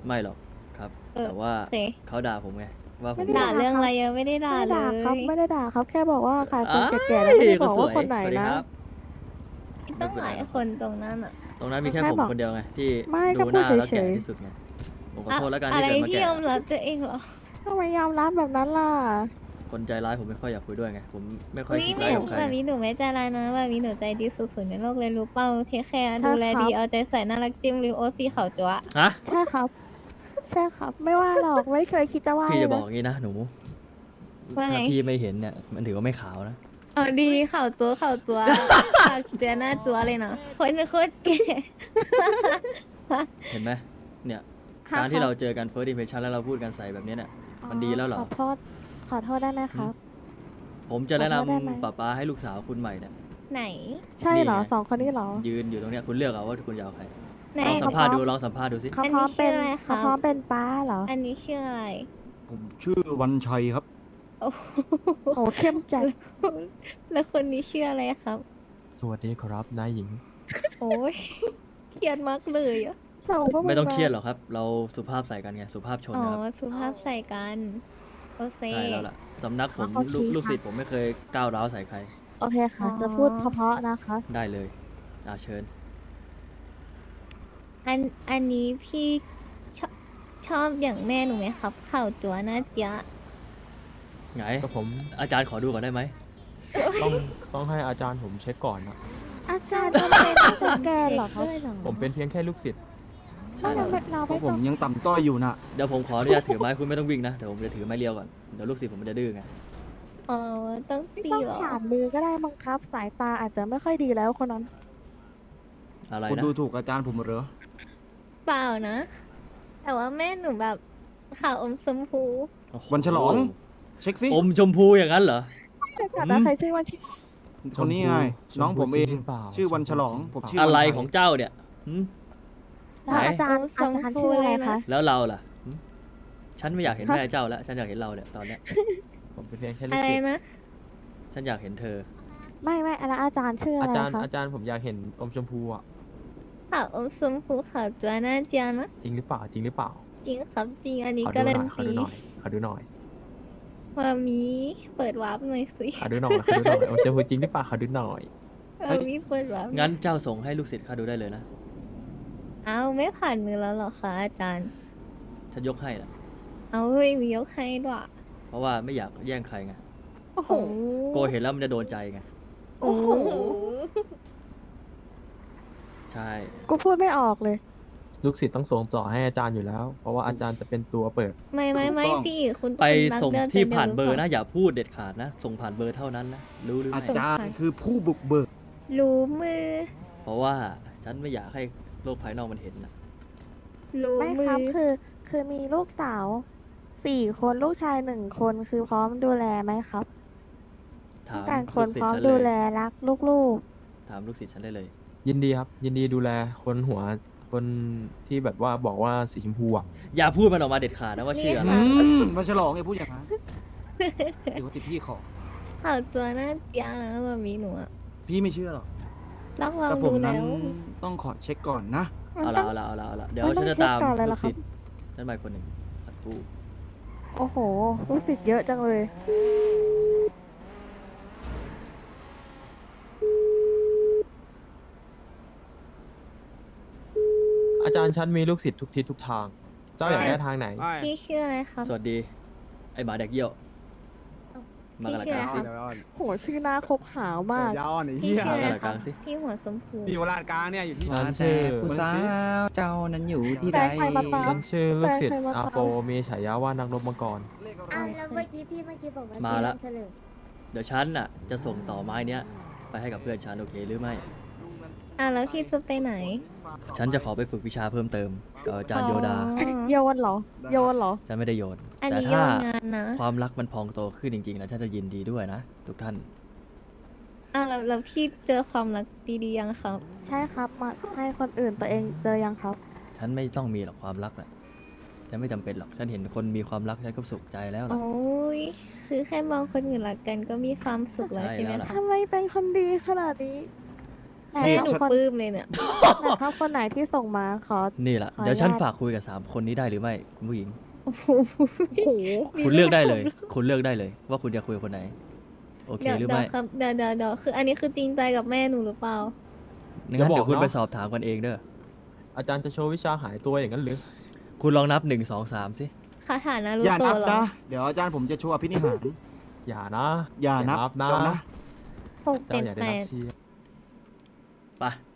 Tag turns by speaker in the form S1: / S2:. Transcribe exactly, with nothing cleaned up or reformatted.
S1: ไม่หรอกครับ
S2: เออ
S1: แต่ว่า
S2: โอเค
S1: เขาด่าผมไงว่าผม
S3: ไม่ได้
S2: ด่าเรื่องอะไรยังไม่ได้ด่า
S3: ไม่
S2: เล
S3: ด่าครับ
S2: ย
S3: ไม่ได้ด่าครับ แค่บอกว่าขายคน
S1: อ้าย
S3: แก่ๆแล้วไม่ได้บอก
S1: ส
S3: ว่าคนไหน
S1: สวัสดี
S3: นะ
S1: ครับ
S2: ต้องหลายคนตรงนั้นอ่ะ
S1: ตรงนั้นมีแค่
S3: แค่
S1: ผม
S3: บอก
S1: คนเดียวไงที่
S3: ไม่ก็
S1: ดู
S3: พู
S1: ห
S3: ด
S1: น้าแล้ว
S3: เฉ
S1: แก่
S3: ยๆ
S1: ที่สุดไงผมขอ
S2: อะ
S1: โทษแล้วกัน
S2: อะ
S1: ที่
S2: ไร
S1: เกิดมา
S2: พี่
S1: แก่
S2: ยอมรับตัวเองเหรอ
S3: ทำไมยอมรับแบบนั้นล่ะ
S1: คนใจร้ายผมไม่ค่อยอยากคุยด้วยไงผมไม่ค่อย
S2: อุ้ย
S1: คิด
S2: แบ
S1: ร้าย
S2: บ
S1: กับใคร
S2: แบบนี้หนูไม่ใจร้ายนะแบบนี้หนูใจดีสุดๆในโลกเลยรู้เปล่าเทคแคร์
S3: ใช่
S2: ดูแล
S3: ครับ
S2: ดีเอาใจใส่น่ารักจิ้มริวโอซีเขาจั๊ว
S1: ฮะ
S3: ใช่ครับ ใช่ครับ ไม่ว่าหรอก ไม่เคยคิดจะว่า
S1: พี่
S3: เล
S1: จะ
S3: ย
S1: บอก
S3: นะ
S1: งี้นะหนู
S2: ว่าไง
S1: ถ้าพี่ไม่เห็นเนี่ยมันถือว่าไม่ขาวนะ
S2: อ๋อดีเข่าจั๊วเข่าจั๊วปากเจียหน้าจั๊วเลยนะคนโคตรแก่
S1: เห็นไหมเนี่ย
S3: ค่ะ
S1: การที่
S3: คบ
S1: เราเจอกัน first impression แล้วเราพูดกันใส่แบบนี้เนี่ยมันดีแล้วเหรอ
S3: ขอโทษ ขอโทษได้ไหมครับ
S1: ผมจะแนะน
S3: ขอโทษได้ไหม
S1: ำป้าป้าให้ลูกสาวคุณใหม่เนี่ย
S2: ไหน
S3: ใช่เหรอ
S1: นี่ไง
S3: สองคนนี้เหรอ
S1: ยืนอยู่ตรงเนี้ยคุณเลือกเอาว่าคุณจะเอาใคร
S2: ไหน
S1: ลองสัม
S3: เขา
S1: ภาษณ์
S3: พร้
S1: ดู
S3: อม
S1: ลองสัมภาษณ์ดูสิ
S3: เขาพร้อมเป็น
S2: อันนี้ชื่ออะไรครับ
S3: เขาพร้อมเป็นป้าเหรอ
S2: อันนี้ชื่ออะไร
S4: ผมชื่อวันชัยครับ
S2: โอ้โห
S3: โหเข้มจัด
S2: แล้วคนนี้ชื่ออะไรครับ
S5: สวัสดีครับนายหญิง
S2: โอ้ยเครียดมากเลยอะ
S3: ส่งพวก
S1: ไม่ต้อง
S3: า
S1: เครียดหรอกครับ เราสุภาพใส่กันไงสุภาพชน
S2: อ๋อ
S1: นะครับ
S2: สุภาพใส่กันโอเค
S1: ใช่แล้วล่ะสำนักผม
S3: โอเค
S1: ลูกลูก
S3: ค่ะ
S1: ศิษย์ผมไม่เคยก้าวร้าวใส่ใคร
S3: โอเคค่ะ
S2: อ๋อ
S3: จะพูดเพราะๆนะคะ
S1: ได้เลยอาเชิญ
S2: อันอันนี้พี่ชอบชอบอย่างแม่หนูไหมครับข่าวจัวหน้าเจ๊ะ
S1: ไง
S5: ก็ผม
S1: อาจารย์ขอดูก่อนได้ไหม
S5: ต้องต้องให้อาจารย์ผมเช็คก่อนนะ
S3: อาจารย์จะเป็นสแกนเหรอครับ
S2: ด้วยเหรอ
S5: ผมเป็นเพียงแค่ลูกศิษย์
S1: ใช่
S3: ไม่
S1: แล้ว
S3: เราไม่เรา
S4: เพ
S3: ไม่
S4: ราะผ
S3: ต้อ
S4: ม
S3: ง
S4: ยังต่ำต้อยอยู่นะ
S1: เดี๋ยวผมขออนุญาตถือไม้คุณไม่ต้องวิ่งนะเดี๋ยวผมจะถือไม้เรียวก่อนเดี๋ยวลูกศิษย์ผมมันจะดื้อไง
S2: อ๋อต้อง
S3: ไม่
S2: ตี
S3: ต้อง
S2: เหรอ
S3: ผ่านมือก็ได้บังคับ สายตาอาจจะไม่ค่อยดีแล้วคนนั้น
S1: อะไร
S4: คุณ
S1: นะ
S4: ดูถูกอาจารย์ผมเหรอ
S2: เปล่านะ แต่ว่าแม่หนูแบบข่าวอมชมพู
S1: โอ้โห
S4: วันฉลอง เช็คสิ
S1: อมชมพูอย่างนั้นเหรอ
S3: แต่ก่อนนะใครชื่อว่าชื่อ
S4: คนนี้ไง
S5: ชมพู
S4: น้องผมเอง
S5: จริงเปล่า
S4: ชื่อวันฉลอง
S5: ชมพู
S4: ผม
S5: จริง
S4: ชื่อ
S1: อะไร
S4: วันชัย
S1: ของเจ้าเนี่ยหืม
S3: แล้วอาจารย์
S2: อมช
S3: อาม จารย์
S2: พู
S3: ชื่ออะไร
S2: เลยนะ
S3: คะ
S1: แล้วเราล่ะหืมฉันไม่อยากเห็นแม่เจ้าแล้วฉันอยากเห็นเราเนี่ยตอนเนี้ย
S5: ผมเป็นเพียงแค่ลู
S2: อะ
S5: ก
S2: ไร
S5: ศิษย์
S2: นะ
S1: ฉันอยากเห็นเธอ
S3: ไม่ไม่แล้วอาจารย์ชื่ออะ
S5: อา
S3: ไร
S5: จารย์
S3: คะ
S5: อาจารย์ผมอยากเห็นอมชมพูอ่ะ
S2: ข่าวอมชมพูข่าวจัวหน้าเจ๊ะนะ
S5: จริงหรือเปล่าจริงหรือเปล่า
S2: จริงครับจริงอันนี้
S5: ขอ
S2: กา
S5: ดูห
S2: รั
S5: น่
S2: น
S5: อยขอ
S2: ตี
S5: ดูหน่อยขอดูหน่อย
S2: มามีเปิดวาร์ปหน่อยสิ
S5: ขอดูหน่อยขอดูหน่อยอมชมพูจริงหรือเปล่าขอดูหน่อย
S2: มามีเปิดวาร์ป
S1: งั้นเจ้าส่งให้ลูกศิษย์ข้าดูได้เลยนะ
S2: เอาไม่ผ่านมือแล้วเหรอคะอาจารย์
S1: ฉันยกให้นะ
S2: เอาเฮ้ยมียกให้ด้วย
S1: เพราะว่าไม่อยากแย่งใครไง
S3: โอ้โห
S2: โอ้
S1: โกเห็นแล้วมันจะโดนใจไง
S2: โอ้โห
S1: ใช่
S3: กูพูดไม่ออกเลย
S5: ลูกศิษย์ต้องส่งต่อให้อาจารย์อยู่แล้ว เพราะว่าอาจารย์จะเป็นตัวเปิด
S2: ไม่ไม่ไม่
S4: ถูกต้อง
S2: สิคุณ
S1: ไป
S2: คุณรัก
S1: ส่ง
S2: เดิ
S1: ที่
S2: ไป
S1: ผ่านเบอร์
S2: ห
S1: นะ
S2: ปล่
S1: อย่าพูดเด็ดขาดนะ ส่งผ่านเบอร์เท่านั้นนะรู้หรือ
S4: อา
S1: ไม่
S4: จารย์คือผู้บุกเบิก
S2: รู้มือ
S1: เพราะว่าฉันไม่อยากให้โลกภายนอกมันเห็นนะ
S2: รู้
S3: ไม่
S2: มื
S3: ค
S2: อ
S3: รับคือคือมีลูกสาวสี่คนลูกชายหนึ่งคนคือพร้อมดูแลไหมครับ
S1: ถา
S3: ต้อง
S1: ม
S3: การค
S1: ลู
S3: น
S1: กศิษ
S3: พร้อ
S1: ย์
S3: ม
S1: ฉันเล
S3: ดู
S1: ย
S3: แลรักลูก
S1: ถามลูกศิษย์ฉันได้เลย
S5: ยินดีครับ ยินดีดูแลคนหัวคนที่แบบว่าบอกว่าสีชมพูอ่ะ
S1: อย่าพูดมันออกมาเด็ดขาดนะว่าชื่ออะไร
S4: อืมวันฉลองไงพูดอย่างนั้นเดี๋ยวสิพี่ขอ
S2: ข่าวตัวหน้าเจียนะมามีหนูอะ
S4: พี่ไม่เชื่อหรอก
S2: ต้องลอง
S4: กับผ
S2: ดู
S4: มนั้
S2: แล้
S4: น
S2: ว
S4: ต้องขอเช็คก่อนนะ
S3: ๆ
S1: เอา
S3: ต้
S1: ละ
S3: อง
S1: เอาละเอาละเอาละเดี๋ยว
S3: มันต้
S1: ฉั
S3: อง
S1: นจะ
S3: เช็ค
S1: ตาม
S3: ก่อนเลย
S1: ลู
S3: เหรอก ครับ
S1: ศิษย์ฉันมาคนหนึ่งสักครู่
S3: โอ้โหลูกศิษย์เยอะจังเลย
S5: อาจารย์ชั้นมีลูกศิษย์ทุกทิศทุกทาง เจ้าอยากได้ทางไหน
S2: พี่ชื่ออะไรครับ
S1: สวัสดี ไอหมาแดกเยี่ยว มากระ
S2: พี่
S1: ลา
S2: ชื่อก อะไร
S1: ลาง
S2: ค
S1: สิ
S2: รับ
S3: โหชื่อหน้าคบหาวมาก
S6: ยาวไอ้
S2: พี่
S6: เหี้ย
S2: ชื่ออะไร
S1: มากระลาก
S2: ครั
S1: ลา
S2: บ
S1: งสิ
S2: พี่หัวชมพู
S6: ที่วราชกลางเนี่ยอยู่ที่
S5: ร้าน
S7: แต่
S5: ชื่อ
S7: ผู้สาวเจ้านั้นอยู่ที่
S3: แฟ
S7: ใด
S3: นใครมาตาม
S5: ฉันชื่อลูกศิษย์
S3: แฟนใครมาตาม
S5: อาโปมีฉายาว่านักรบมังกร
S8: อ้าวแล้วเมื่อกี้พี่เมื่อกี้บอกว่า
S1: มาละ
S8: เฉลิม
S1: เดี๋ยวฉันน่ะจะส่งต่อไม้เนี้ยไปให้กับเพื่อนฉันโอเคหรือไม่
S2: อ่ะแล้วพี่จะไปไหน
S1: ฉันจะขอไปฝึกวิชาเพิ่มเติมกับอาจารย์โยดา
S2: อ๋อ
S3: โยนเหรอ โยนเหรอ
S1: ฉันไม่ได้โยน
S2: อัน
S1: แต่
S2: นี้โย
S1: ถ้าน
S2: งานนะ
S1: ความรักมันพองโตขึ้นจริงๆนะฉันจะยินดีด้วยนะทุกท่าน
S2: อ่ะแล้วแล้วพี่เจอความรักดีๆยังครับ
S3: ใช่ครับมาให้คนอื่นตัวเองเจอยังครับ
S1: ฉันไม่ต้องมีหรอกความรักน่ะฉันไม่จำเป็นหรอก ฉันเห็นคนมีความรักฉันก็สุขใจแล้วล่ะ
S2: โอ้ยคือแค่มองคนอื่นรักกันก็มีความสุขแล้ว
S1: ใช่
S2: ใช่ไหม
S1: แล้วล่ะ
S2: คะ
S3: ทำไมเป็นคนดีขนาดนี้แต่
S2: แม่
S3: ถ้า
S2: หนู
S3: คน
S2: ปลื้มเลยเนี่ย
S3: แต่ถ้าคนไหนที่ส่งมาขอ
S1: นี่แหละ
S3: ขออนุญาต
S1: เดี๋ยวฉันฝากคุยกับสามคนนี้ได้หรือไม่คุณผู้หญิง
S2: โอ้โห
S3: โอ้โห
S1: คุณเลือกได้เลย คุณเลือกได้เลย ว่าคุณจะคุยกับคนไหน โอเค
S2: เดี๋ยว
S1: หรือ
S2: เดี๋ยว
S1: ไม่
S2: ครับเดี๋ยวเดี๋ยวเดี๋ยวคืออันนี้คือจริงใจกับแม่หนูหรือเปล่า
S1: งั้น
S5: อย่าบอก
S1: เดี๋ยวคุณ
S5: เนอะ
S1: ไปสอบถามกันเองเด้อ
S5: อาจารย์จะโชว์วิชาหายตัวอย่างนั้นหรือ
S1: คุณลองนับหนึ่งสองสามสิ
S2: คาถานารู
S4: อย่า
S2: โต
S4: นับ
S2: เหรอ
S4: นะ เดี๋ยวอาจารย์ผมจะโชว์อภินิหาร
S5: อย่านะ
S4: อย่านับ
S5: นะ
S4: เชียวนะ
S2: หก
S5: เจ้า
S2: เจ็ด
S5: อย่าได้
S2: แป
S5: นับ
S2: ด
S5: เชียร์
S1: ไป